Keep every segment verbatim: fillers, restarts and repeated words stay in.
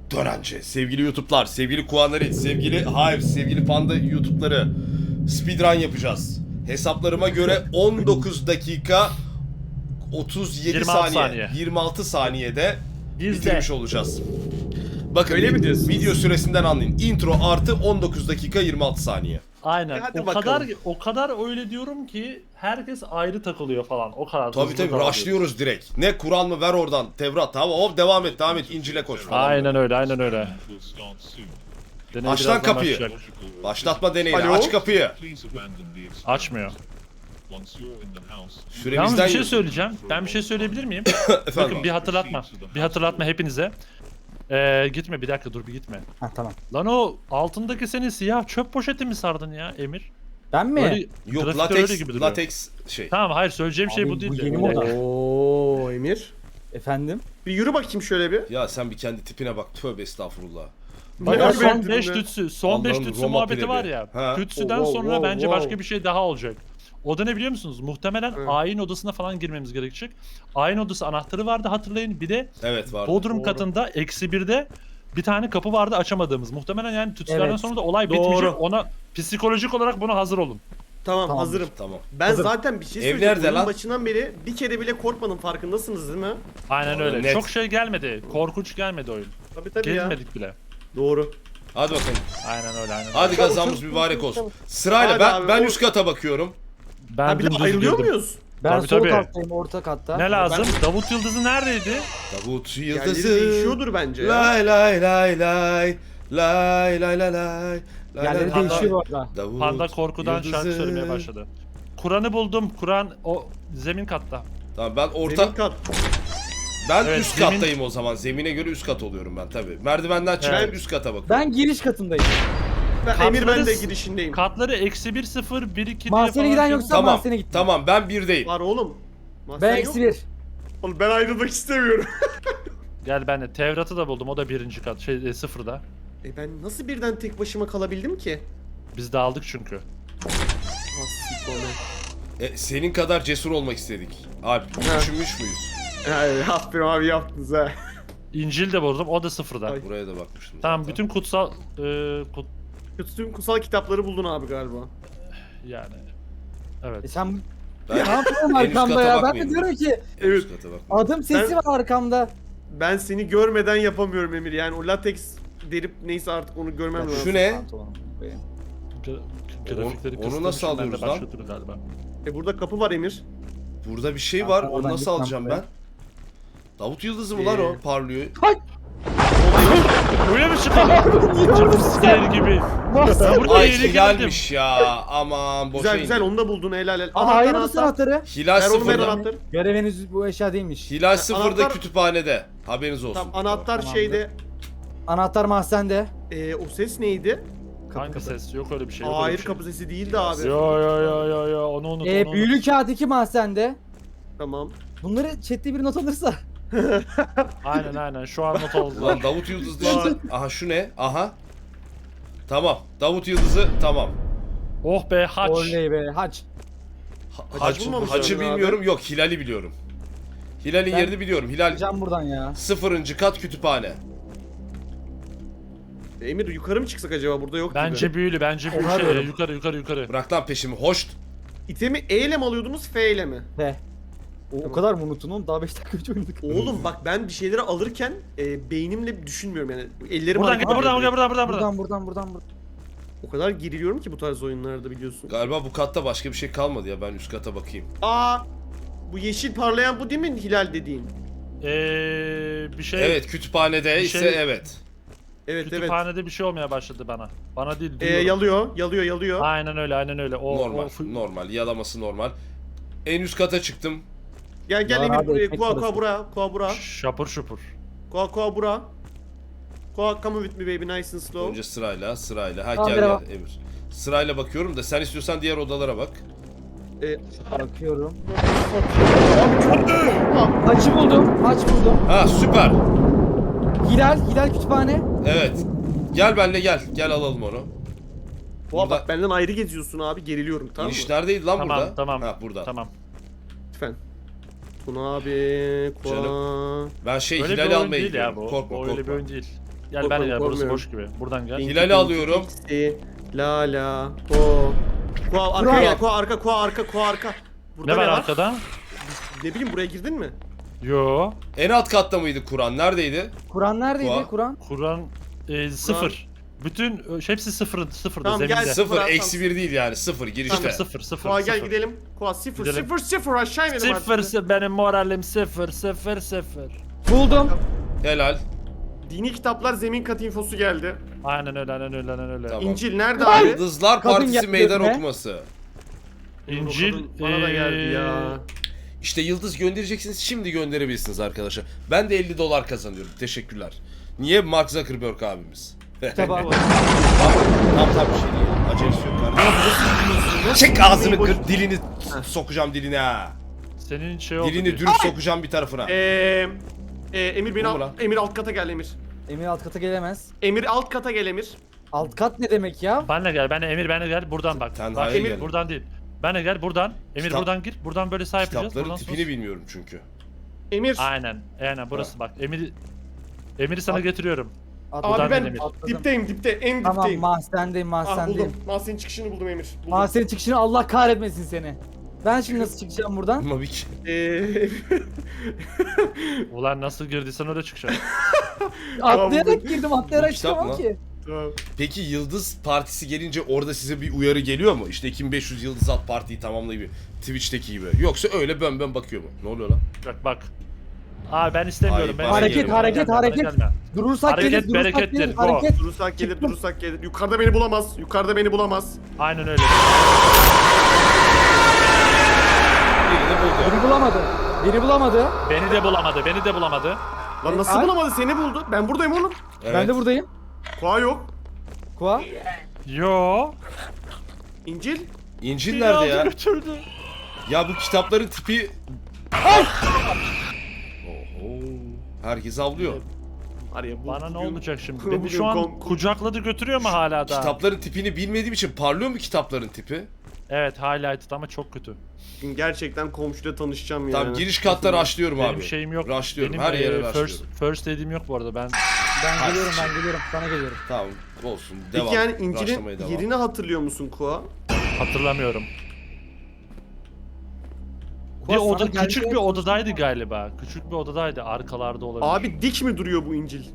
Dönence. Sevgili YouTube'lar, sevgili Kuanları, sevgili Hive, sevgili Panda YouTube'ları. Speedrun yapacağız. Hesaplarıma göre on dokuz dakika otuz yedi yirmi altı saniye, saniye. yirmi altı saniyede Biz bitirmiş de. olacağız. Bakın Öyle mi diyorsunuz? video süresinden anlayın. Intro artı on dokuz dakika yirmi altı saniye. Aynen. E hadi o bakalım. kadar o kadar öyle diyorum ki herkes ayrı takılıyor falan. O kadar. Tabii hızlı tabii davranıyoruz. rushlıyoruz direkt. Ne Kur'an mı ver oradan Tevrat. Tamam hop devam et devam et İncil'e koş falan. Aynen öyle, aynen öyle. Deney Aç lan birazdan kapıyı. başlayacak. Başlatma deneyini Alo? aç kapıyı. Açmıyor. Süremizden Yalnız bir şey yiyorsun. söyleyeceğim. Ben bir şey söyleyebilir miyim? Efendim. Bakın bir hatırlatma. Bir hatırlatma hepinize. Ee, gitme bir dakika dur bir gitme. Ha tamam. Lan o altındaki senin siyah çöp poşeti mi sardın ya Emir? Ben mi? Böyle Yok grafikte öyle lateks gibi duruyor. lateks şey. Tamam hayır söyleyeceğim şey Abi, bu değil bu de. yeni Bir moda. dakika. Oo Emir. Efendim? Bir yürü bakayım şöyle bir. Ya sen bir kendi tipine bak. Tövbe estağfurullah. Bak Ne o son beğendin beş be? tütsü, son beş Allah'ım, tütsü Roma muhabbeti pirevi. var ya. Ha. Tütsüden Oh, wow, sonra wow, bence wow. başka bir şey daha olacak. O da ne biliyor musunuz? Muhtemelen Evet. ayin odasına falan girmemiz gerekecek. Ayin odası anahtarı vardı hatırlayın. Bir de Evet vardı. Bodrum Doğru. katında eksi birde bir tane kapı vardı açamadığımız. Muhtemelen yani tütsülerden Evet. sonra da olay Doğru. bitmeyecek. Ona psikolojik olarak buna hazır olun. Tamam, Tamam. hazırım. Tamam. Ben Hazırım. zaten bir şey Ev söyleyeceğim. nerede Oyunun lan? başından beri bir kere bile korkmadım, farkındasınız değil mi? Aynen Vallahi öyle. net. Çok şey gelmedi. Korkunç gelmedi oyun. Tabii tabii ya. Gezmedik bile. Doğru. Hadi bakalım. Aynen öyle aynen. Hadi öyle. kazamız mübarek olsun. Sırayla Hadi ben abi, ben o- üst kata bakıyorum. Ben Ha bir de dümdüz ayrılıyor girdim. muyuz? Ben Tabii, sol tabii. kattayım, orta katta. Ne lazım? Ben- Davut Yıldızı neredeydi? Davut Yerleri yıldızı. değişiyordur bence ya. Lay lay lay lay. Lay lay lay lay. Lay Yerleri lay lay. değişiyor bu arada. Davut Panda korkudan yıldızı. şarkı söylemeye başladı. Kur'an'ı buldum. Kur'an o zemin katta. Tamam ben orta Zemin kat. ben Evet, üst zemin- kattayım o zaman. Zemine göre üst kat oluyorum ben tabii. Merdivenden çıkıp Evet. üst kata bakıyorum. Ben giriş katındayım. Ben, Emir ben de Katlarız. girişindeyim. Katları eksi bir sıfır bir iki diye Mahzene falan giden şey- yoksa Tamam. mahzene gittim. Tamam ben birdeyim. Var oğlum. Mahzen Ben yok. eksi bir. Oğlum ben ayrılmak istemiyorum. Gel ben de Tevrat'ı da buldum. O da birinci kat. Şey e, sıfırda. e ben nasıl birden tek başıma kalabildim ki? Biz de aldık çünkü. Hastik oğlum. E, senin kadar cesur olmak istedik. Abi Ha. düşünmüş müyüz? Ay, aferin abi yaptınız ha. İncil de buldum. O da sıfırda. Ay. Buraya da bakmıştım. Tamam zaten. bütün kutsal e, kut, Tüm kutsal kitapları buldun abi galiba. yani. E Evet. sen Ben ne yapıyorsun en üst arkamda kata ya? Ben de bakmayayım. diyorum ki En üst kata bak. adım sesi Ben- var arkamda. Ben seni görmeden yapamıyorum Emir. Yani o lateks derip neyse artık onu görmem lazım. Şu ne? Pantolonum. Gra- Onu- grafikleri onu kıstım, nasıl şimdi ben de alıyoruz lan? başlatırım galiba. E burada kapı var Emir. Burada bir şey Ya, var. Onu oradan nasıl gitmem alacağım buraya. ben? Davut Yıldızı mı lan o? Ee. Parlıyor. Öyle mi çıkalım? Jumpscare gibi. Ben burada Ay yeni geldim. hilalmiş ya. Aman boşa Güzel güzel indim. onu da buldun helal helal. Aa hayır mısın anahtarı? Hilal Ver onu ver sıfırda. anahtarı. Görev henüz bu eşya değilmiş. Hilal sıfırda anahtar- kütüphanede. Haberiniz olsun. Tamam anahtar Tamamdır. şeyde. Anahtar mahzende. E, o ses neydi? Kapı Hangi kapı. ses? Yok öyle bir şey. Yok öyle Hayır bir şey. kapı sesi değildi abi. Yo yo yo yo yo onu unut Ee, onu büyülü unut. kağıt iki mahzende. Tamam. Bunları chatte bir not alırsa. Aynen aynen şu an not aldılar. Ulan Davut Yıldız dışında. Aha şu ne? Aha. Tamam. Davut Yıldızı tamam. Oh be haç. Oley be haç. Ha- Hac Hacı, bulmamış hacı oldun abi. bilmiyorum. Yok Hilal'i biliyorum. Hilal'in Ben- yerini biliyorum. Hilal Can buradan ya. sıfırıncı kat kütüphane. Emir yukarı mı çıksak acaba burada yok Bence gibi. büyülü bence büyülü Oha şey, diyorum. yukarı yukarı yukarı. Bırak lan peşimi. Hoş. İtemi E ile mi alıyordunuz F ile mi? Be. O, o kadar mı unuttun oğlum? Daha beş dakika önce oynadık. Oğlum bak ben bir şeyleri alırken e, beynimle düşünmüyorum yani. Ellerim Buradan hareket git buradan ediyor. buradan buradan buradan. Buradan buradan buradan buradan. O kadar geriliyorum ki bu tarz oyunlarda biliyorsun. Galiba bu katta başka bir şey kalmadı ya. Ben üst kata bakayım. Aa, bu yeşil parlayan bu değil mi Hilal dediğin? Eee bir şey Evet kütüphanede Bir ise şey- evet. Evet evet. kütüphanede bir şey olmaya başladı bana. Bana değil E, duyuyorum. yalıyor, yalıyor, yalıyor. Aynen öyle aynen öyle. O, Normal. o fu- Normal. Yalaması normal. En üst kata çıktım. Gel gel Ya Emir abi, buraya. ekmek Koa parası. koa bura, koa bura. şapur şupur. Koa koa bura. Koa come with me baby nice and slow. Önce sırayla sırayla. Ha Tamam, gel merhaba. gel Emir. Sırayla bakıyorum da sen istiyorsan diğer odalara bak. E, Bakıyorum. Aa, Haçı buldum. Haç buldum. Ha süper. Hilal. Hilal kütüphane. Evet. Gel benle gel. Gel alalım onu. Koa Burada- bak benden ayrı geziyorsun abi geriliyorum tamam mı? İniş neredeydi lan Tamam burada? tamam. Ha burada. Tamam. Lütfen. Tuna abi, Koa. Ben şey Öyle bir Hilal'i oyun almaya değil ya gidiyorum. bu. Korkma o öyle bir korkma. oyun değil. Gel ben de gel, burası Korkmuyorum. boş gibi. Buradan gel. Hilal'i alıyorum. İkisi, La la. Ko. Ko arka Kural. gel. Ko arka. Ko arka. Ko arka. Burada Ne var arkada? Ne bileyim buraya girdin mi? Yo. En alt katta mıydı Kur'an? Neredeydi? Kur'an neredeydi Kuva. Kur'an? Kur'an e, sıfır. Bütün ö, hepsi sıfır, sıfırda Tamam, zeminde. gel. Sıfır, Sıfır, Sıfır, eksi bir değil yani. Sıfır girişte. sıfır, sıfır, Ko gel sıfır. gidelim. Ko sıfır Gidelim. sıfır sıfır aşağı inelim Sıfır, artık. sı- benim moralim sıfır, sıfır, sıfır. Buldum. Helal. Dini kitaplar zemin katı infosu geldi. Aynen öyle, aynen öyle, aynen öyle. Tamam. İncil nerede abi? Yıldızlar Kadın Partisi geldi meydan önüme. okuması. İncil, O kadın bana da geldi eee, ya. İşte yıldız göndereceksiniz, şimdi gönderebilirsiniz arkadaşlar. Ben de elli dolar kazanıyorum. Teşekkürler. Niye? Mark Zuckerberg abimiz. Kitaba. Tamam tamam bir şey değil. Acelesi yok kardeşim. Çek ağzını kır, dilini sokacağım diline ha. Senin şey oldu. Dilini diye. dürüp sokacağım bir tarafına. Eee e, Emir beni Bu mu al, lan? Emir alt kata gel Emir. Emir alt kata gelemez. Emir alt kata gel Emir. Alt kat ne demek ya? Benle gel, benle Emir, benle gel. Buradan bak. Tenha'ya Bak Emir gel. buradan değil. Benle gel buradan. Emir Kitap- buradan gir. Buradan böyle sağ yapacağız. Kitapların Buradan tipini sos. bilmiyorum çünkü. Emir. Aynen. Aynen burası bak. Emir Emir'i sana getiriyorum. Atladım. Abi ben Emir. Atladım. dipteyim dipte en Tamam dipteyim. mahzendeyim Ah mahzendeyim. buldum. Mahsenin çıkışını buldum Emir. Buldum. Mahzenin çıkışını Allah kahretmesin seni. Ben şimdi nasıl çıkacağım buradan? Ama bir ki- Eee Ulan nasıl girdiysen öyle çıkacaksın. Atlayarak girdim Bu atlayarak kitap çıkamam mı? ki. Tamam. Peki Yıldız Partisi gelince orada size bir uyarı geliyor mu? İşte iki bin beş yüz Yıldız Alt Parti'yi tamamlayıp Twitch'teki gibi. Yoksa öyle bön bön bakıyor mu? Ne oluyor lan? Bak bak. Aa ben istemiyorum. Ay, ben bana Hareket, gelme, hareket, Gelme, hareket. gelme. Durursak Hareket gelir, durursak berekettir, gelir, go. hareket. Durursak gelir, durursak gelir. Yukarıda beni bulamaz. Yukarıda beni bulamaz. Aynen öyle. Birini buldu. Beni bulamadı. Beni bulamadı. Beni de bulamadı. Beni de bulamadı. Lan nasıl Ay. bulamadı? Seni buldu. Ben buradayım oğlum. Evet. Ben de buradayım. Koa yok. Kuva. Yo. İncil. İncil Beni nerede aldı ya? götürdü. Ya bu kitapların tipi... Oho. Herkes avlıyor. Araya bu Bana ne bugün- olacak şimdi? bugün Beni şu an kom- kucakladı götürüyor mu hala da? Kitapların tipini bilmediğim için parlıyor mu kitapların tipi? Evet highlighted ama çok kötü. Bugün gerçekten komşuyla tanışacağım yani. Tamam giriş kattan rushlıyorum Benim abi. şeyim yok. Rushlıyorum. Benim Her yere e, rushlıyorum. first, first aid'im yok bu arada ben. Ben Hadi. geliyorum ben geliyorum. Sana geliyorum. Tamam olsun. Devam. Peki yani İncil'in Rushlamaya devam. yerini hatırlıyor musun Koa? Hatırlamıyorum. Bir Kuva, oda, sana küçük geldi- bir odadaydı galiba. Küçük bir odadaydı. Arkalarda olabilir. Abi dik mi duruyor bu İncil?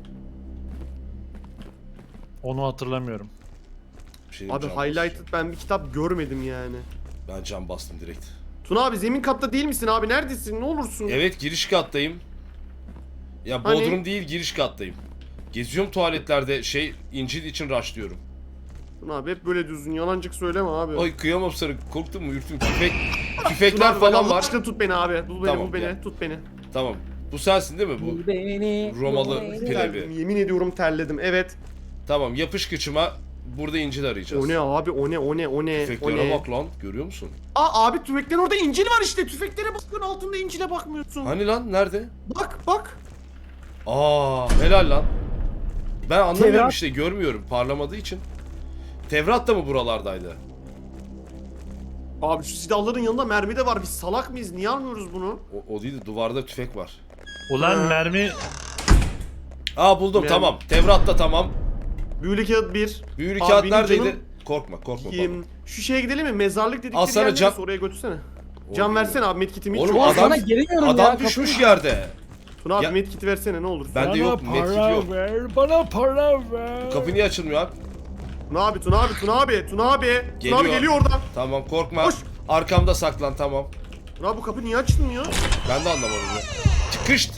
Onu hatırlamıyorum. Bir şey Abi diyeyim, can highlighted ben bir kitap görmedim yani. bastım. Ben can bastım direkt. Tuna abi zemin katta değil misin abi? Neredesin? Ne olursun? Evet giriş kattayım. Ya Hani? bodrum değil giriş kattayım. Geziyorum tuvaletlerde şey İncil için rushlıyorum. Tuna abi hep böyle düzgün yalancık söyleme abi. Ay kıyamam sana korktun mu ürktüm tüfek Tuna tüfekler abi, bak falan Allah var. aşkına tut beni abi. Bul beni, Tamam, bul beni, gel. tut beni. Tamam. Bu sensin değil mi bu? Bul beni. Romalı bul beni. pilav. Terledim, yemin ediyorum terledim. Evet. Tamam yapış kıçıma burada İncil arayacağız. O ne abi? O ne? O ne? O ne? O Tüfeklere ne? bak lan görüyor musun? Aa abi tüfeklerin orada İncil var işte. Tüfeklere bakıyorsun altında İncil'e bakmıyorsun. Hani lan nerede? Bak bak. Aa helal lan. Ben anlamıyorum Tevrat. işte görmüyorum parlamadığı için. Tevrat da mı buralardaydı? Abi şu silahların yanında mermi de var. Biz salak mıyız? Niye almıyoruz bunu? O, o değil de duvarda tüfek var. Ulan Ha. mermi Aa buldum Yani- tamam. Tevrat da tamam. Büyülü kağıt bir. Büyülü Abi kağıt benim neredeydi? canım- Korkma korkma. Yiyeyim. korkma. Şu şeye gidelim mi? Mezarlık dedikleri Al sana yer can- neresi? Oraya götürsene. O Can değil. versene abi medkitimi hiç Oğlum yok. Ulan adam- sana gelemiyorum ya. Adam düşmüş yerde. Tuna abi Ya- medkiti versene ne olur. Ben de yok medkit yok. ver, bana para ver. Kapı niye açılmıyor abi? Tuna abi, Tuna abi, Tuna abi, Tuna abi. Tuna Geliyor. abi geliyor oradan. Tamam korkma. Koş. Arkamda saklan tamam. Tuna abi bu kapı niye açılmıyor? Ben de anlamadım ya. Çıkışt.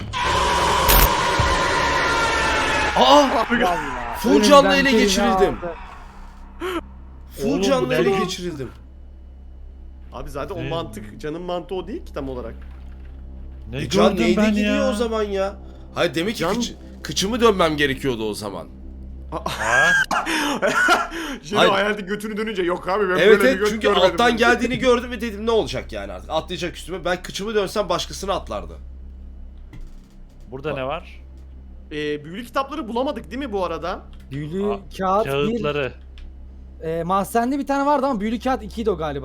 Aa! Vallahi. Full canlı ele Önümden geçirildim. aldı. Full Oğlum, canlı bu ele ne? geçirildim. Abi zaten o Ne? mantık, canın mantığı o değil ki tam olarak. Ne E can gördüm neydi ben gidiyor ya? o zaman ya? Hayır demek ki Can- kıç- kıçımı dönmem gerekiyordu o zaman. Ha? Şimdi Hayır. hayalde götünü dönünce yok abi ben Evet böyle bir evet göt çünkü görmedim. alttan geldiğini gördüm ve dedim ne olacak yani artık atlayacak üstüme. Ben kıçımı dönsem başkasına atlardı. Burada ne var? Ee, büyülü kitapları bulamadık değil mi bu arada? Büyülü Aa, kağıt bir. Kağıtları. E, mahzende bir tane vardı ama büyülü kağıt ikiydi o galiba.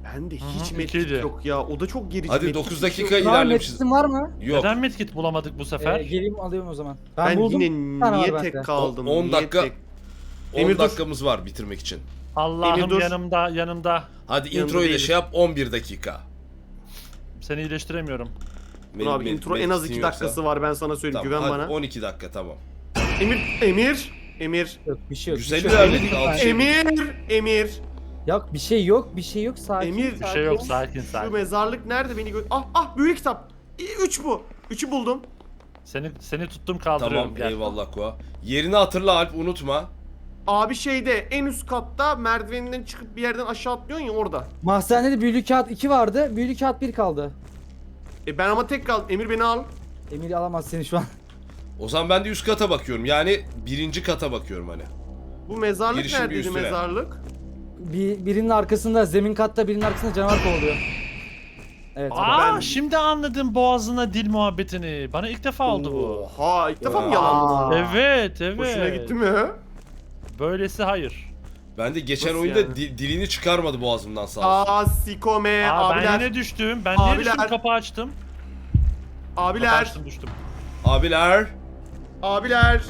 Bende Hı hı, hiç medkit ikiydi. yok ya. O da çok gerici. Hadi medkit dokuz yok. dakika Var mı? ilerlemişiz. Medkit'in var mı? Yok. Neden medkit bulamadık bu sefer? Ee, geleyim alıyorum o zaman. Ben, Ben buldum. yine Bir tane var niye bende. tek kaldım? on Niye dakika tek- on Emir dur. dakikamız var bitirmek için. Allah'ım Emir dur. yanımda yanımda. Hadi Yanında introyu da değiliz. şey yap on bir dakika. Seni iyileştiremiyorum. Dur abi Benim- intro benim en az medkitin iki yoksa- dakikası var ben sana söyleyeyim. Tamam, Güven hadi bana. on iki dakika tamam. Emir, Emir, Emir. Yok bir şey yok. bir Güzel şey yok. ilerledik, altı şey- Emir, Emir. Yok bir şey yok bir şey yok sakin. Emir, Bir sakin. şey yok sakin Şu sakin. mezarlık nerede beni gö... Ah ah büyük kitap. İ- Üç bu. Üçü buldum. Seni seni tuttum kaldırıyorum. Tamam Gel. eyvallah Koa. Yerini hatırla Alp unutma. Abi şeyde en üst katta merdiveninden çıkıp bir yerden aşağı atlıyorsun ya orada. Mahzenede de büyülü kağıt iki vardı. Büyülü kağıt bir kaldı. E ben ama tek kaldım. Emir beni al. Emir alamaz seni şu an. O zaman ben de üst kata bakıyorum. Yani birinci kata bakıyorum hani. Bu mezarlık Girişin bir neredeydi üstüne. mezarlık? Bir, birinin arkasında zemin katta birinin arkasında canavar kovalıyor. Evet. Aa Ben- şimdi anladım boğazına dil muhabbetini. Bana ilk defa oldu bu. Oha ilk defa mı Aa. yalandın? Evet evet. Hoşuna gitti mi? Böylesi hayır. Ben de geçen Nasıl oyunda yani? di- dilini çıkarmadı boğazımdan sağ olsun. Aa sikome Aa ben abiler. yine düştüm. Ben niye Abiler. düştüm? Kapı açtım. Kapı Abiler. açtım düştüm. Abiler. Abiler.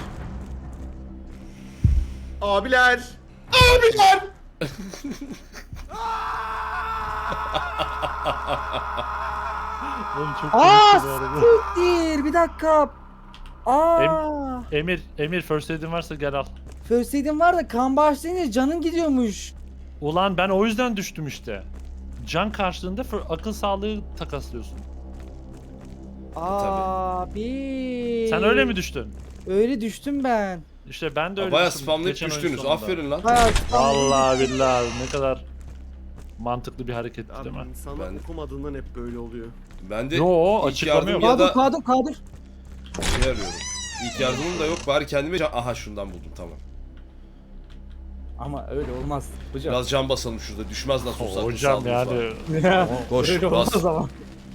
Abiler. Abiler. Oğlum çok Aa komikti bu arada. siktir bir dakika. Aa. Emir, Emir first aid'in varsa gel al. First aid'in var da kan bağışlayınca canın gidiyormuş. Ulan ben o yüzden düştüm işte. Can karşılığında fır- akıl sağlığı takaslıyorsun. Abi. Sen öyle mi düştün? Öyle düştüm ben. İşte ben de öyle Baya düştüm spamlayıp geçen oyun düştünüz. sonunda. Aferin lan. Bayağı Vallahi billahi ne kadar mantıklı bir hareketti Abi değil mi? insanlar Ben- okumadığından hep böyle oluyor. Ben de Yo, ilk açıklama yardım yok. ya Kadir da Kadir Kadir. şey arıyorum. İlk yardımım da yok bari kendime can... Aha şundan buldum tamam. Ama öyle olmaz hocam. Biraz can basalım şurada. Düşmez nasıl olsa. akıl Hocam sağlığımız yani. var. Koş öyle bas. olmaz ama.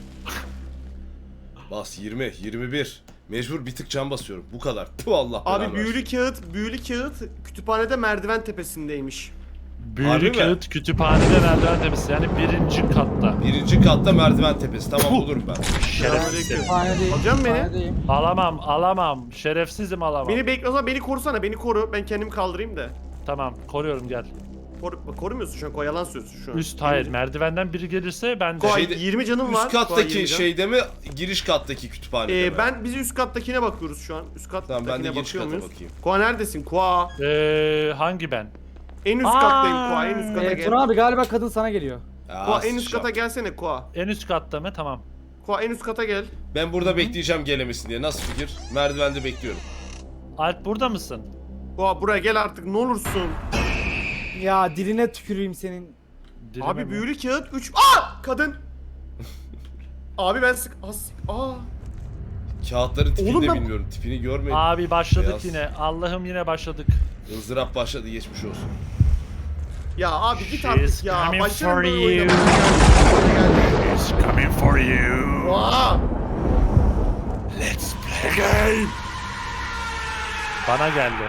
Bas yirmi, yirmi bir. Mecbur bir tık can basıyorum. Bu kadar. Puh Allah belanı Abi büyülü versin. kağıt, büyülü kağıt kütüphanede merdiven tepesindeymiş. Büyülü Harbi mi? kağıt kütüphanede merdiven tepesi yani birinci katta. Birinci katta merdiven tepesi. Tamam bulurum ben. Şerefsiz. Kütüphanedeyim. Alacak mısın beni? kütüphanedeyim. Alamam alamam. Şerefsizim alamam. Beni bekle o zaman beni korusana beni koru. Ben kendimi kaldırayım da. Tamam koruyorum gel. Koru, bak, korumuyorsun şu an. Koy, yalan söylüyorsun şu an. Üst hayır merdivenden biri gelirse ben de. Koy, Şeyde- yirmi canım var. Üst Koy, kattaki yirmi can. şeyde mi? Giriş kattaki kütüphanede Ee, mi? ben biz üst kattakine bakıyoruz şu an. Üst kattakine Tamam ben de giriş bakıyor kata muyuz? bakayım. Koa neredesin? Koa. Ee, hangi ben? En üst Aa! kattayım Koa. En üst kata Ee, gel. Tuna abi galiba kadın sana geliyor. Aa, Koa en üst sıçacağım. kata gelsene Koa. En üst katta mı? Tamam. Koa en üst kata gel. Ben burada bekleyeceğim gelemesin diye. Nasıl fikir? Merdivende bekliyorum. Alp burada mısın? Koa buraya gel artık ne olursun. Ya diline tüküreyim senin. Dilime Abi mi? büyülü kağıt üç. Aa! Kadın. Abi ben sık... As... Aa! Kağıtların tipini Oğlum de ben- bilmiyorum. Tipini görmeyin. Abi başladık Beyaz. yine. Allah'ım yine başladık. Izdırap başladı geçmiş olsun. Ya abi git She's artık ya. coming Başlarım for böyle you. oynamaya. It's coming for you. Aa! Let's play game. Bana geldi.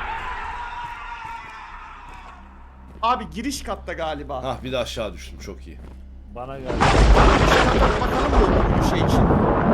Abi giriş katta galiba. Hah bir de aşağı düştüm çok iyi. Bana geldi. Hadi bakalım mı bu şey için?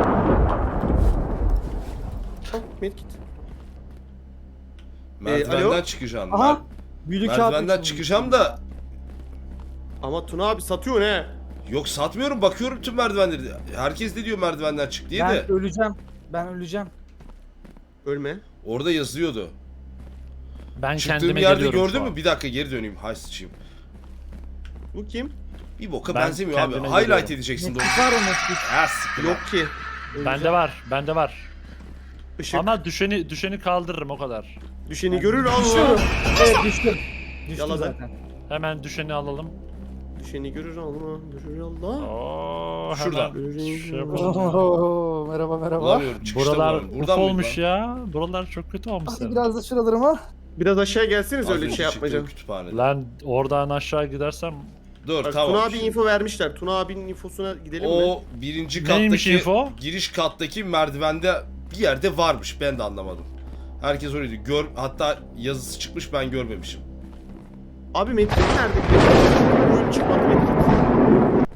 Oh, medkit. Merdivenden alo? çıkacağım. Aha. Mer- Büyülü kağıt. Merdivenden açılmış. çıkacağım da Ama Tuna abi satıyor ne? yok satmıyorum bakıyorum tüm merdivenleri. Herkes de diyor merdivenden çık diye Ben de öleceğim. Ben öleceğim. Ölme. orada yazıyordu. Ben Çıktığım kendime yerde geliyorum şu gördün an. mü? Bir dakika geri döneyim. Hay sıçayım. Bu kim? Bir boka Ben benzemiyor abi. kendime Highlight geliyorum. edeceksin de Medkit var o medkit. Ha siktir. Yok ki. Bende var. Bende var. Işık. Ama düşeni düşeni kaldırırım o kadar. Düşeni görür Düşüyorum. Allah. Evet düştüm. Düştüm Yaladın. zaten. Hemen düşeni alalım. Düşeni görür Allah. Görür Allah. Oo, Şuradan. hemen şey Görür yapalım. Oo, merhaba merhaba. Bulamıyorum. Çıkışta Buralar bulamıyorum. uf Buradan mıydı olmuş lan? ya. Buralar çok kötü olmuş Hadi senin. biraz da şuralarıma. Biraz aşağı gelseniz Az öyle bir önce şey çıktığım yapmayacağım. kütüphanede. Lan oradan aşağı gidersem Dur Bak, tamam. Tuna abi şimdi. info vermişler. Tuna abinin infosuna gidelim mi? O birinci Neymiş kattaki info? giriş kattaki merdivende bir yerde varmış. Ben de anlamadım. Herkes öyle diyor. Gör, hatta yazısı çıkmış ben görmemişim. Abi medkit nerede? Medkit oyun çıkmadı medkit.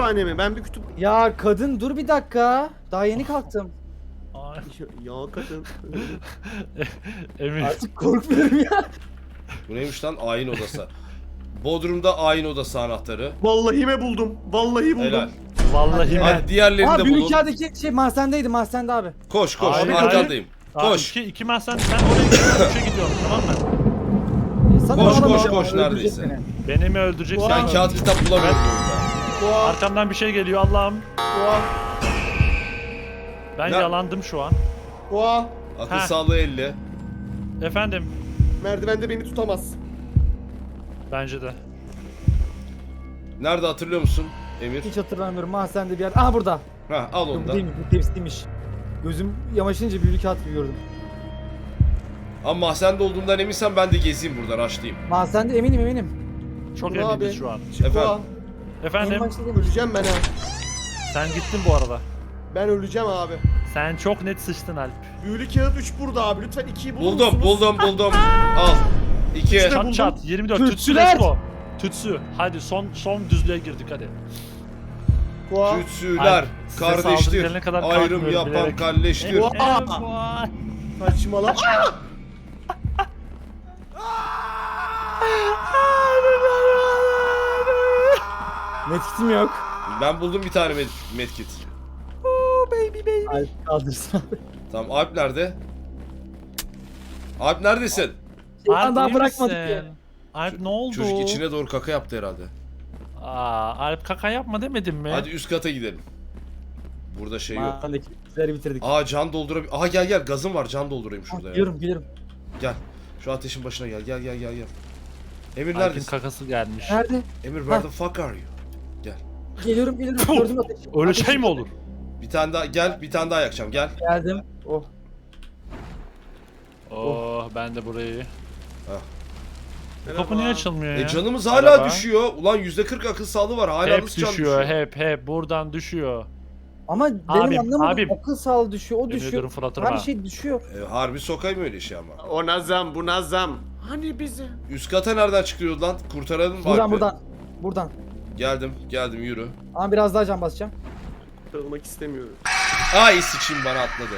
kütüphane mi? Ben bir kütüp... Ya kadın dur bir dakika. Daha yeni kalktım. Ay, Ya, ya kadın. Emir. Artık korkmuyorum ya. Bu neymiş lan? Ayin odası. Bodrum'da ayin odası anahtarı. Vallahi mi buldum? Vallahi buldum. Helal. Vallahi ben. Hadi diğerlerini Aa de büyük bulun. kağıdaki şey mahzendeydi mahzende abi. Koş koş. Hayır, Arkandayım. Aa, Koş. iki, iki ben sen, sen oraya gidiyorsun, üçe gidiyorum tamam mı? E, sana Koş, alamam koş, ya, koş, öldürecek neredeyse. beni. Beni mi öldüreceksin? Ben mi kağıt öldüreceksin? kitap bulamıyorum burada. Oha. Arkamdan bir şey geliyor Allah'ım. Oha. Ben Ne- yalandım şu an. Oha. Akıl Ha. sağlığı elli. Efendim. Merdivende beni tutamaz. Bence de. Nerede hatırlıyor musun Emir? Hiç hatırlamıyorum mahzende bir yer. Aha burada. Ha al Yok onu bu da. değilmiş bu tepsiymiş. Gözüm yamaşınca büyük kağıt gibi gördüm. Ama mahzende olduğundan eminsen ben de gezeyim burada, rushlayayım. Mahzende eminim eminim. Çok Dur eminiz abi. şu an. Efendim? Oha. En Efendim. başta demiş. Öleceğim ben ha. Sen gittin bu arada. Ben öleceğim abi. Sen çok net sıçtın Alp. Büyülü kağıt üç burada abi. Lütfen ikiyi bulur Buldum, musunuz? buldum, buldum. Al. İki. İşte- Çat buldum. çat yirmi dört. Tütsü Tütsüler. let's go. Tütsü. Hadi son son düzlüğe girdik hadi. Oha. Tütsüler, Ay, size saldırı kardeştir, gelene kadar ayrım kalkmıyorum yapan bilerek. kalleştir. Oha. Aa! Saçmalama. Medkitim yok. Ben buldum bir tane med medkit. Ay kaldırsın abi. Tamam, Alp nerede? Alp neredesin? Şeytan Alp daha iyi bırakmadık misin? ya. Alp ne oldu? Çocuk içine doğru kaka yaptı herhalde. Aa, Alp kaka yapma demedim mi? Hadi üst kata gidelim. Burada şey yok. Mahzendeki bizleri bitirdik. Aa can doldurabilir. Aha gel gel, gazım var, can doldurayım şurada ya. Geliyorum geliyorum. Gel. Şu ateşin başına gel. Gel gel gel gel. Emir Alp'in neredesin? kakası gelmiş. Nerede? Emir where the fuck are you? Gel. Geliyorum geliyorum. Gördüm ateşi. Öyle Ateşi şey mi gördüm. olur? Bir tane daha gel, bir tane daha yakacağım. Gel. Geldim. Oh. Oh, ben de burayı. Bu Merhaba. kapı niye açılmıyor ya? E canımız hala Araba. düşüyor. Ulan yüzde kırk akıl sağlığı var. Hala Hep nasıl can düşüyor, düşüyor? hep hep buradan düşüyor. Ama benim Abim, anlamadım. abim. Akıl sağlığı düşüyor. O Yemin düşüyor. ediyorum fırlatırım Her ha. şey düşüyor. E, harbi sokayım öyle şey ama. O nazam bu nazam. Hani bizi? Üst kata nereden çıkıyoruz lan? Kurtaralım mı Buradan Alp'i? buradan. Buradan. Geldim, geldim yürü. Ama biraz daha can basacağım. Kırılmak istemiyorum. Ay sıçayım, bana atladı.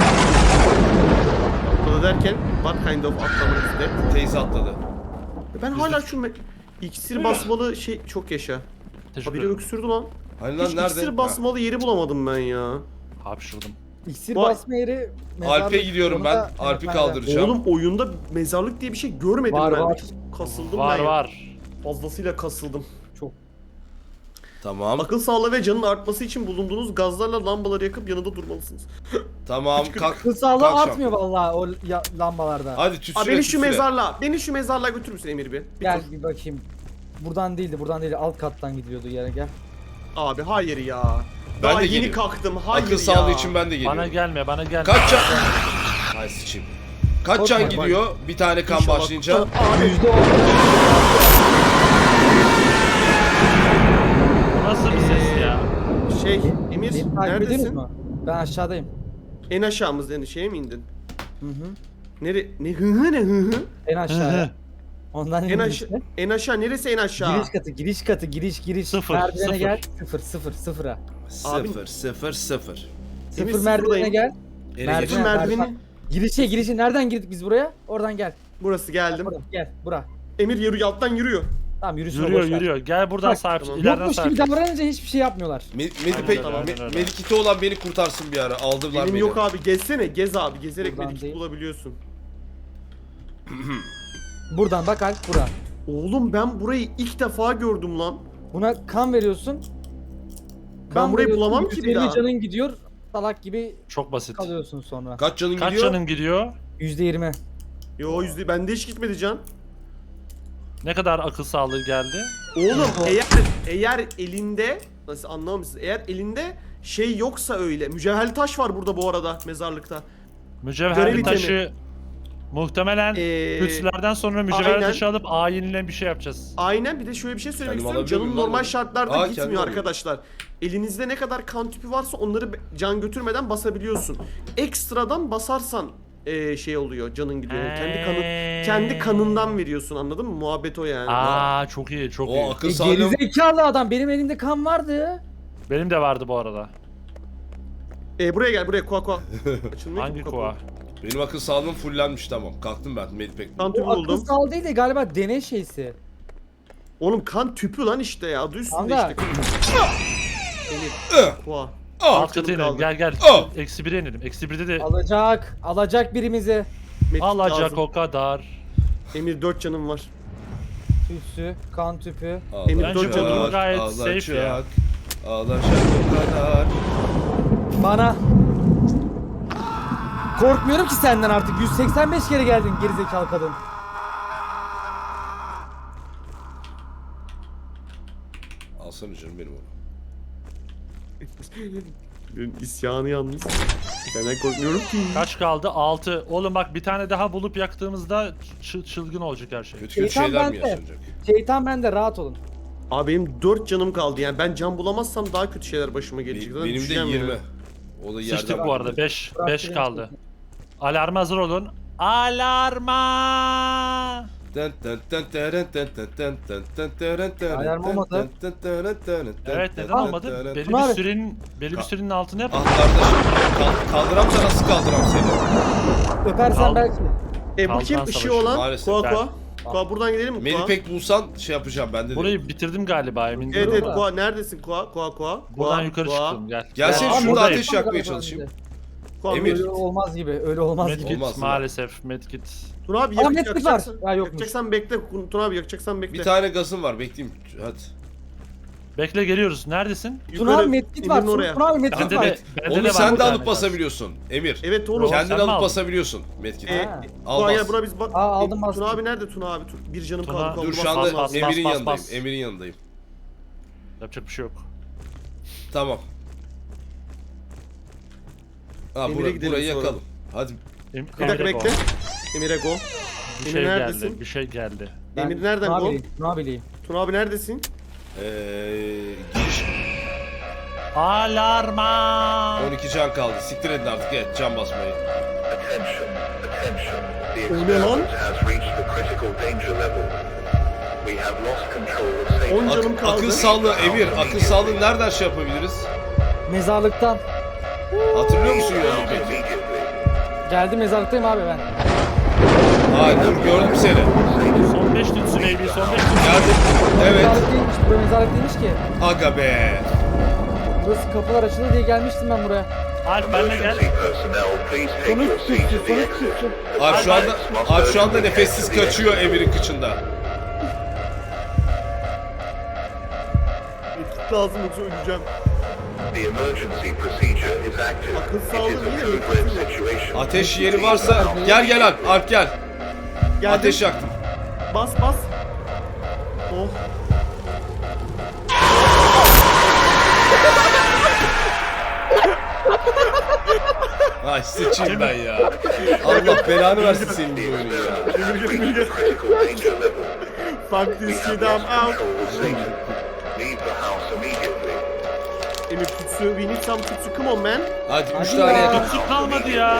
Burada derken what kind of atlamak istedi? Teyze atladı. Ben hala şu me- iksir basmalı şey çok yaşa. Teşekkür Habire ederim. öksürdü lan. Hani lan Hiç nerede? iksir basmalı yeri bulamadım ben ya. Hapşırdım. İksir Vay. basma yeri. Ha, Alp'e mezarlık, gidiyorum onu ben. da Alp'i yönetmende. kaldıracağım. Oğlum oyunda mezarlık diye bir şey görmedim Var, ben. var. Kasıldım Var ben. ya. var. Fazlasıyla kasıldım. Çok. Tamam. Akıl sağlığı ve canın artması için bulunduğunuz gazlarla lambaları yakıp yanında durmalısınız. Tamam kalk. Akıl sağlığı kalk artmıyor vallahi o ya- lambalarda. Hadi tütsüle Abi beni şu tütsüle. mezarlığa, beni şu mezarlığa götürür müsün Emir bir? Bir Gel tur. bir bakayım. Buradan değildi, buradan değildi. Alt kattan gidiyordu yere gel. Abi hayır ya. Ben Daha de yeni geliyorum. kalktım. Hayır Akıl ya. sağlığı için ben de geliyorum. Bana gelme, bana gelme. Kaç can? Ay sıçayım. Kaç Korkma, can gidiyor bir tane kan İnşallah. başlayınca? Abi Yüzde on. Bu nasıl bir ses ya? şey Emir Beni takip ediyorsunuz neredesin? mu? Ben aşağıdayım. En aşağımızda yani şeye mi indin? Hı hı. Nere ne hı hı ne hı hı? En aşağıya. Ondan En indim aşağı işte. en aşağı neresi en aşağı? Giriş katı, giriş katı, giriş giriş. Sıfır, Merdivene sıfır. gel. Sıfır, sıfır, sıfıra. Abi- Sıfır sıfır sıfır. Emir, Sıfır merdivene sıfırdayım. gel. Ele Merdiven- geç. Sıfır merdiveni. merdiven. Girişe, girişe. Nereden girdik biz buraya? Oradan gel. Burası geldim. Buradan, gel, bura. Emir yürü alttan yürüyor. Tamam yürüsün. Yürüyor, boş ver. yürüyor. Gel buradan Bak, sahip, tamam. ileriden Yokmuş sahip. gibi davranınca hiçbir şey yapmıyorlar. Me Aynen Medipek, öyle, aynen me öyle. medikiti olan beni kurtarsın bir ara. Aldılar Benim beni. yok abi gezsene gez abi gezerek Buradan medikit değil. bulabiliyorsun. Buradan bak Alp, bura. Oğlum ben burayı ilk defa gördüm lan. Buna kan veriyorsun. Ben burayı veriyorsun, bulamam ki bir yüz elli daha. canın gidiyor. Salak gibi Çok basit. kalıyorsun sonra. Kaç canın Kaç gidiyor? canın gidiyor? yüzde yirmi. Yo yüzde bende hiç gitmedi can. Ne kadar akıl sağlığı geldi? Oğlum eğer eğer elinde nasıl anlamamışsınız? Eğer elinde şey yoksa öyle. Mücevherli taş var burada bu arada mezarlıkta. Mücevherli Görev taşı muhtemelen Ee, pütsülerden sonra mücevherli aynen. taşı alıp ayinle bir şey yapacağız. Aynen bir de şöyle bir şey söylemek Kendim istiyorum. alabiliyor Canın muyum lan normal bunu? şartlarda Aa, kendim gitmiyor alıyorum. arkadaşlar. Elinizde ne kadar kan tüpü varsa onları be- can götürmeden basabiliyorsun. Ekstradan basarsan eee, şey oluyor canın gidiyor. Yani kendi kanı kendi kanından veriyorsun anladın mı? Muhabbet o yani. Aa çok iyi, çok iyi. O akıl E, sağlığı. gerizekalı adam. Benim elimde kan vardı. Benim de vardı bu arada. E buraya gel buraya koa koa. Açılmıyor Hangi ki bu koa? kapı. Benim akıl sağlığım fullenmiş tamam. Kalktım ben Medpack. Kan tüpü Bu akıl buldum. sağlığı değil de galiba deney şeysi. Oğlum kan tüpü lan işte ya. Adı üstünde Kanka. işte. Emir. Koa. Ah! Alt kata inelim. kaldı. Gel gel. Oh! Eksi bire inelim. Eksi birde de Alacak. Alacak birimizi. Medkit alacak lazım. o kadar. Emir dört canım var. Tütsü, kan tüpü. Emir Bence dört bu canım var. gayet safe ya. Alacak o kadar. Bana. Korkmuyorum ki senden artık. yüz seksen beş kere geldin gerizekalı kadın. Alsana canım benim onu. Benim isyanı yalnız. Senden korkmuyorum ki. Kaç kaldı? altı. Oğlum bak bir tane daha bulup yaktığımızda çı- çılgın olacak her şey. Kötü kötü Şeytan şeyler mi bende. yaşanacak? Şeytan bende, rahat olun. Abi benim dört canım kaldı yani ben can bulamazsam daha kötü şeyler başıma gelecek. Be- Zaten benim de düşeceğim yirmi. ya. O da Sıçtık yerden bu arada. buldu. beş. Bırak beş beni. kaldı. Alarma hazır olun. Alarma! Tın tın tın tırın tın tın tın tın tın tırın tırın Alarm tın olmadı. tın tın tırın tırın tın Evet tın neden tın olmadı? tırın. Belli Tuna bir abi. sürenin belli bir Ka- sürenin altında yap. Ah kardeşim kal- kaldıram da nasıl kaldıram seni? Öpersen Kal- belki. E bu Kalkan kim? Işığı savaşı. olan. Maalesef. Koa Ben- koa. Koa buradan gidelim mi Koa? Medpack bulsan şey yapacağım ben de. Burayı bitirdim galiba emin Evet değilim. evet Burada. Koa neredesin Koa? Koa Koa. Buradan Koa, yukarı Koa. çıktım gel. Gelsene Gel. şurada Buradayım. ateş yakmaya çalışayım. Koa Emir. Emir. Öyle olmaz gibi, öyle olmaz gibi. Medkit Olmaz mı? maalesef medkit. Tuna abi Ama yak, medkit yakacaksan, var. Ya yokmuş. yakacaksan bekle. Tuna abi yakacaksan bekle. Bir tane gazım var bekleyeyim. Hadi. Bekle geliyoruz. Neredesin? Tuna Yukarı, abi medkit var. Emir'in oraya. Tuna abi medkit Bende var. de, bende de Onu var sen bir de tane alıp gaz. basabiliyorsun Emir. Evet oğlum. Yok. Kendin Sen mi alıp aldın? basabiliyorsun medkiti. E, Ha. Al Koa bas. gel buna biz bak. Aa, aldım, Tuna bastım. abi nerede Tuna abi? Tuna- Bir canım Tuna- kaldı. Koa, Dur bas, şu bas, anda bas. Emir'in bas, yanındayım. bas. Emir'in yanındayım. Yapacak bir şey yok. Tamam. Ha Emir'e bura, gidelim burayı sonra. yakalım. Hadi. Em Bir dakika Emir'e go. bekle. Emir'e go. Bir Emir şey neredesin? geldi. Bir şey geldi. Ben Emir nereden Tuna go? abileyim, Tuna abileyim. Tuna abi neredesin? Ee, giriş. Alarma! on iki can kaldı. Siktir edin artık. Evet can basmayı. Attention, attention. The Oh, ne lan? experiment has reached the critical danger level. We have lost control of safe. on Ak- canım kaldı. akıl sağlığı Emir. Akıl sağlığı nereden şey yapabiliriz? Mezarlıktan. Hatırlıyor musun yolu Out peki? immediately. Geldi, mezarlıktayım abi ben. Hayır dur gördüm seni. Son beş tütsü baby. Son beş tütsü. Geldim. Evet. Mezarlık değilmiş, buraya mezarlık değilmiş ki. Aga be. Burası kapılar açılır diye gelmiştim ben buraya. Alp benimle gel. Emergency personnel, please take Sonuç your seats tütsü, at the sonuç exit. tütsü. Abi şu anda abi şu anda nefessiz kaçıyor Emir'in kıçında. Medkit lazım yoksa öleceğim. The emergency procedure is active. Akıl It sağlığı is a yine code red medkit situation. Ateş yeri varsa gel gel Alp. Alp gel. Geldim. Ateş yaktım. Bas bas. Oh. Ay sıçayım ben ya. Allah belanı versin senin bu oyunu ya. Experiment has reached the critical danger level. Fuck We this have shit I'm lost out. control of Satan. Leave the house immediately. Emir tutsu. We need some tutsu. Come on man. Hadi üç Hadi tane ya. yakın. Tütsü kalmadı ya.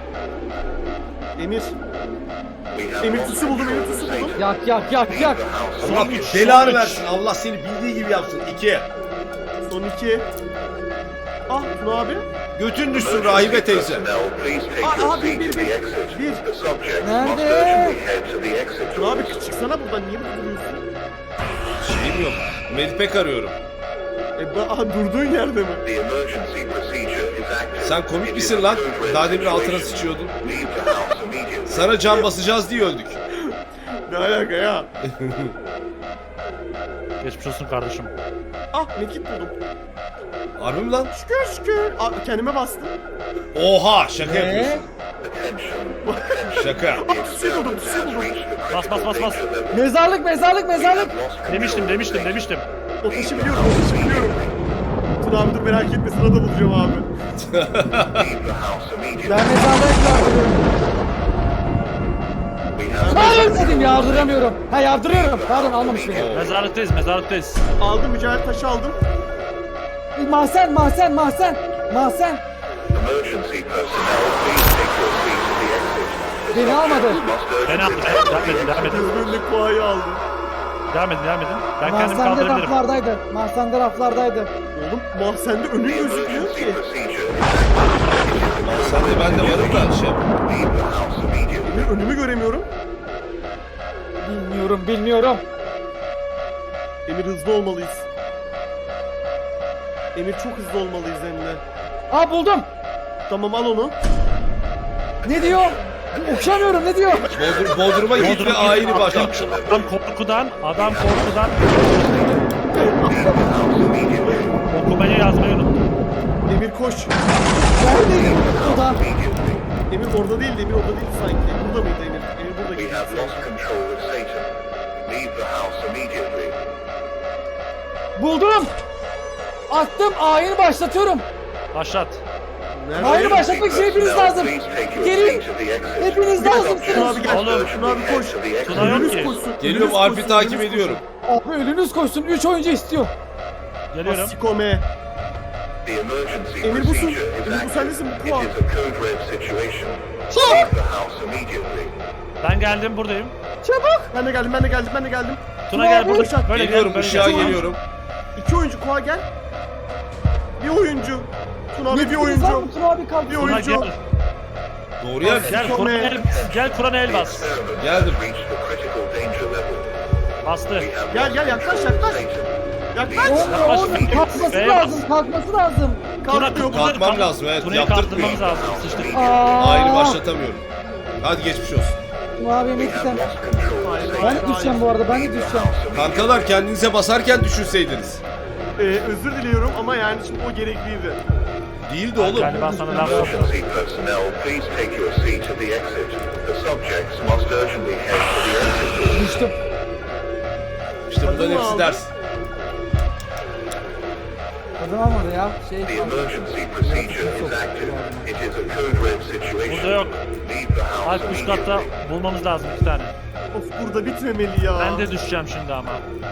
Emir. We have Emir lost tutsu buldum. Emir control of tutsu Satan. buldum. Yak yak yak Leave yak. the house Allah immediately. belanı versin. Allah seni bildiği gibi yapsın. İki. Son iki. Ah Tuna abi. Götün düşsün rahibe teyze. Personnel, please take Ah, your abi, seat bir, at the bir, exit. bir. The subject Nerede? must urgently head to the exit Tuna abi doors. çıksana buradan. Niye burada duruyorsun? Şeyim yok. Medpack arıyorum. E ba aha durduğun yerde mi? The emergency procedure is active. Sen komik It misin is a lan? code red Daha demin altına situation. sıçıyordun. Leave the house immediately. Sana can basacağız diye öldük. Ne alaka ya? Geçmiş olsun kardeşim. Ah medkit buldum. Harbi mi lan? Şükür şükür. Ah, kendime bastım. Oha şaka Ne? yapıyorsun. Attention. Şaka. The Tutsu buldum. experiment Tutsu has buldum. reached the Bas, bas, critical bas, bas. danger level. Mezarlık, mezarlık, mezarlık. Lost control Demiştim of demiştim Satan. demiştim. O taşı biliyorum. O taşı biliyorum. Tuna abi dur merak etme. Sırada bulacağım abi. Leave the house immediately. Ben mezarlığa yardırıyorum. We have Hayır dedim, yardıramıyorum. Ha yardırıyorum. Pardon, almamış beni. Mezarlıktayız mezarlıktayız. Aldım mücadele taşı aldım. Mahsen, mahsen, mahsen. Mahsen. emergency personnel, please take your seat at the exit. The Beni almadı. subject must Ben urgently aldım. head to Devam edin the devam exit. edin. Gözlüğümle kuayı aldım. Devam edin devam edin. Ben kendimi Mahsende kaldırabilirim. raflardaydı. Mahsende raflardaydı. Oğlum mahzende önün The gözükmüyor emergency ki. procedure. Lan sen de ben de varım da şey. Leave the house immediately. Emir önümü göremiyorum. Bilmiyorum bilmiyorum. Emir hızlı olmalıyız. Emir çok hızlı olmalıyız Emre. Aa buldum. Tamam al onu. Ne diyor? Okuyamıyorum ne diyor? Bodrum, Bodrum'a git ve ayini başlat. Adam korkudan, adam korkudan okumayı yazmayı unuttu. Emir koş. Neredeyim? O da. Emir orada değildi. Emir orada değildi sanki. Burada mıydı Emir? Emir burada We gibi. have lost control of Satan. Leave the house immediately. Buldum. Attım ayini başlatıyorum. Başlat. Nerede? Ayını başlatmak için hepiniz lazım. Please take your Gelin. seat at the exit. Hepiniz Şuna lazımsınız. abi gel. Oğlum. Şuna abi koş. Head to the exit. Tuna yok Önünüz ki. koşsun. Geliyorum önünüz Alp'i koşsun, takip önünüz ediyorum. Abi önünüz koşsun. üç oyuncu istiyor. Geliyorum. Sikome. The emergency Emir busun. procedure is Emir bu active. sendesin, bu It kuva. is a code red situation. Leave the house immediately. Ben geldim buradayım. Çabuk. Ben de geldim, ben de geldim, ben de geldim. Tuna gel abi, burada. uşak. Böyle Geliyorum gel, böyle ışığa gel. geliyorum. İki oyuncu kuğa gel. Bir oyuncu. Tuna abi bir Yetiniz oyuncu. var mı? Tuna abi kalk. Bir Tuna oyuncu. gel. Doğru yer. Gel Kur'an el, gel Kur'an el bas. Experiment Geldim. has reached the critical danger level. Bastı. We have Gel, lost gel, yaklaş, control of yaklaş. Satan. Yaklaş. Oğlum, oğlum, kalkması Beyaz. lazım. Kalkması lazım. Kalkmıyor. Tuna- Kalkmam kalk- lazım, evet, Tuna'yı yaptırtmıyor. kaldırmamız lazım. Sıçtık. Aa. Ayini başlatamıyorum. Hadi geçmiş olsun. Tuna abi We emek have sen. lost control of Hayır, Satan. Ben de düşeceğim bu arada. Ben de Leave the düşeceğim. house immediately. Kankalar kendinize basarken düşünseydiniz. Ee, özür diliyorum ama yani şimdi o gerekliydi. Değildi oğlum. Galiba sana laf soktum. Emergency personnel, please take your seat at the exit. The subjects must urgently head to the exit door. Düştüm. İşte bunların Kadın hepsi aldı. ders. Kadın almadı ya. Şey. The emergency procedure is active. It is a code red situation. Burada yok. Leave the house Alp üst katta immediately. bulmamız lazım iki tane. Of burada bitmemeli ya. Ben de düşeceğim şimdi ama.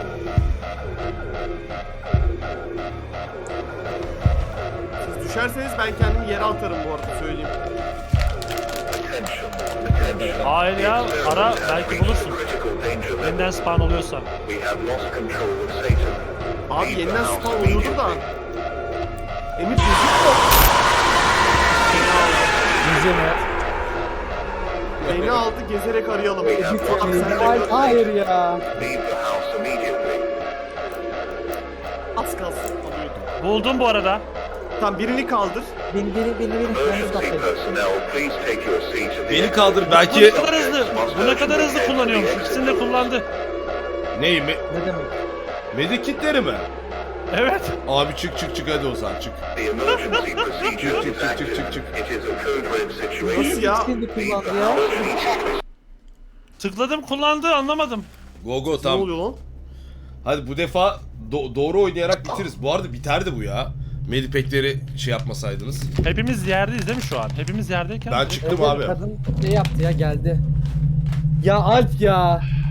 Siz düşerseniz ben kendimi yere atarım bu arada söyleyeyim. Attention, attention. Hayır ya, The experiment ara, has belki reached bulursun. the critical danger level. Yeniden spawn oluyorsa. We have lost control of Satan. Abi Leave the yeniden house spawn oluyordu da. immediately. Emir gözükmüyor. Güzel evet. Beni aldı gezerek arayalım. We have lost Abi sen de Hayır, hayır ya. Leave the house immediately. az kalsın alıyordum. Buldum bu arada. Tamam birini kaldır. Beni beni beni beni. Ben Emergency uzaklayayım. personnel, please take your seat at the Beni exit. kaldır Bu belki. ne kadar hızlı. Bu ne kadar hızlı kullanıyormuş. İkisini de kullandı. Ney mi? Ne demek? Medikitleri mi? Evet. Abi çık çık çık hadi Ozan çık. The emergency procedure Çık, çık, is çık, active. çık, çık. It is a code red situation. Nasıl ya? İkisini de Leave kullandı the ya. house immediately. Tıkladım kullandı anlamadım. Go go Ne tamam. oluyor lan? Hadi bu defa do- doğru oynayarak bitiririz. Bu arada biterdi bu ya. Medipekleri şey yapmasaydınız. Hepimiz yerdeyiz değil mi şu an? Hepimiz yerdeyken. Ben çıktım Evet, abi. Kadın şey yaptı ya geldi. Ya Alp ya.